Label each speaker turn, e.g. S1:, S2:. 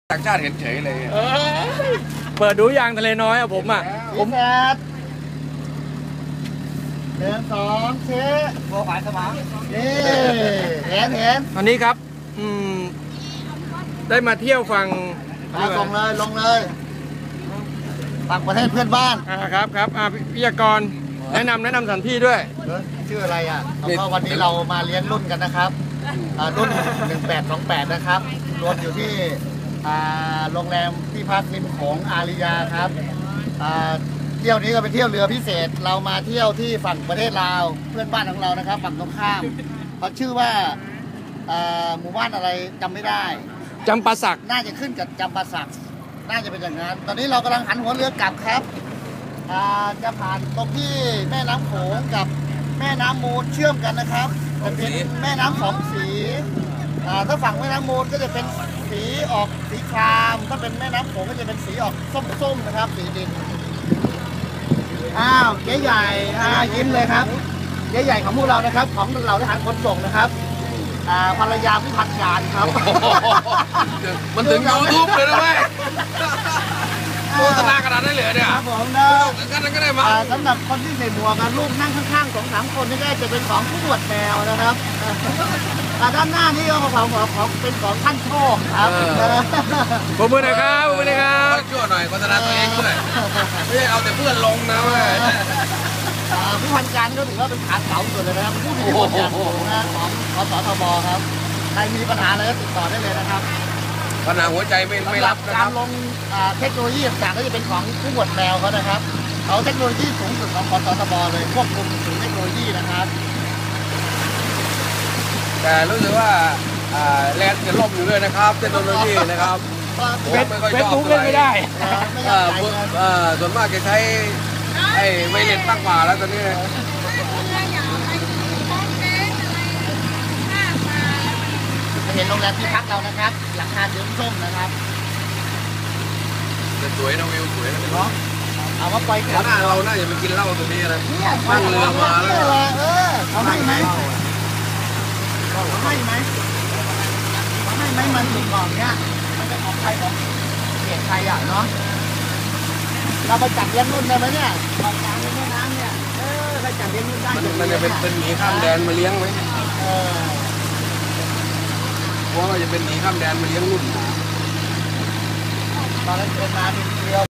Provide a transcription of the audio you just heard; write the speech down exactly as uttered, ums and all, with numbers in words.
S1: ต่างชาติเห็นเฉยเลย
S2: เออเปิดดูยางทะเลน้อยอะผมอ่ะผม
S3: แปดเดินสองเช็คโบฝ่ายสมองนี่เห็นเห็น
S2: อันนี้ครับอืมได้มาเที่ยวฝั่ง
S3: มาลงเลยลงเลยต่างประเทศเพื่อนบ้าน
S2: อ่าครับครับอ่าพิยากรแนะนำแนะนำสถานที่ด้วย
S3: ชื่ออะไรอ่ะก็วันนี้เรามาเลี้ยงรุ่นกันนะครับรุ่นหนึ่งแปดสองแปดนะครับรวมอยู่ที่โรงแรมที่พักริมโขงอาริยาครับเที่ยวนี้ก็เป็นเที่ยวเรือพิเศษเรามาเที่ยวที่ฝั่งประเทศลาวเพื่อนบ้านของเรานะครับฝั่งตรงข้ามเขาชื่อว่าหมู่บ้านอะไรจำไม่ได้
S2: จำปาสัก
S3: น่าจะขึ้นกับจำปาสักน่าจะเป็นอย่างนั้นตอนนี้เรากำลังหันหัวเรือกลับครับจะผ่านตรงที่แม่น้ำโขงกับแม่น้ำมูลเชื่อมกันนะครับจะเป็นแม่น้ำสองสีถ้าฝั่งแม่น้ำมูลก็จะเป็นสีออกสีครามถ้าเป็นแม่น้ำโขงก็จะเป็นสีออกส้มๆนะครับสีดินอ้าวเจ๊ใหญ่ยิ้มเลยครับเจ๊ใหญ่ของพวกเรานะครับของเราทหารขนส่งนะครับภรรยาผู้พันการครับ
S1: มันถึงยูทูบเลยนะเว้ยโฆษณาขนาดนั้นเลยเนี่ย
S3: ครับผมนะ
S1: งั้นก็ได้มา
S3: สำหรับคนที่ใส่หมวกลูกนั่งข้างๆสองสามคนนี่ก็จะเป็นของผู้ตรวจแมวนะครับด้านหน้านี่ก็ของของเป็นของท่านโชคครับ
S2: ขอบคุณนะครับขอบคุณนะครับ
S1: ช่วยหน่อยโฆษณาตัวเองด้วยไม่ใช่เอาแต่เพื่อนลงนะเว้ย
S3: ผู้พันการก็ถือว่าเป็นขาเสาสุดเลยนะครับผู้มีบทบาทสูงนะของขสทบครับใครมีปัญหาอะไรก็ติดต่อได้เลยนะครับ
S1: ปัญหาหัวใจไม่ไม่รับ
S3: การลงเทคโนโลยีต่างๆก็จะเป็นของผู้บดแมวเขานะครับเขาเทคโนโลยีสูงสุดของขสทบเลยควบคุมถึงเทคโนโลยีนะครับ
S1: แต่รู้สึกว่าแลนด์จะล่มอยู่ด้วยนะครับเทคโนโลยีนะครับ
S2: เฟซบุ๊กเล่นไม่ได้
S1: ส่วนมากจะใช้ไอ้ไวเลสตั้งมาแล้วตอนนี้
S3: เห็นโรงแรมที่พักเรานะครับหลังคาเดือดส้มนะครับ
S1: สวยนะวิวสวยนะเนาะ
S3: เอาว่าไป
S1: หน้าเราน่าจะไปกินเหล้าตรงนี้นะนั่งเรือมาแล้ว
S3: เออเขาให้ไหมเขาให้ไหมเขาให้ไหมมันถึงก่อนเนี้ยมันจะออกใครออกเกียรติใครอ่ะเนาะเราไปจับเลี้ยงรุ่นได้ไหมเนี่ยออกกลางแม่น้ำเนี่ยเออไปจับเลี้ยงรุ่นได้
S1: มันจะเป็นเป็นหมีข้ามแดนมาเลี้ยงไหม
S3: เออ
S1: เพราะว่าจะเป็นหมีข้ามแดนมาเลี้ยงรุ่น
S3: ตอนนั้นเดินมาเป็น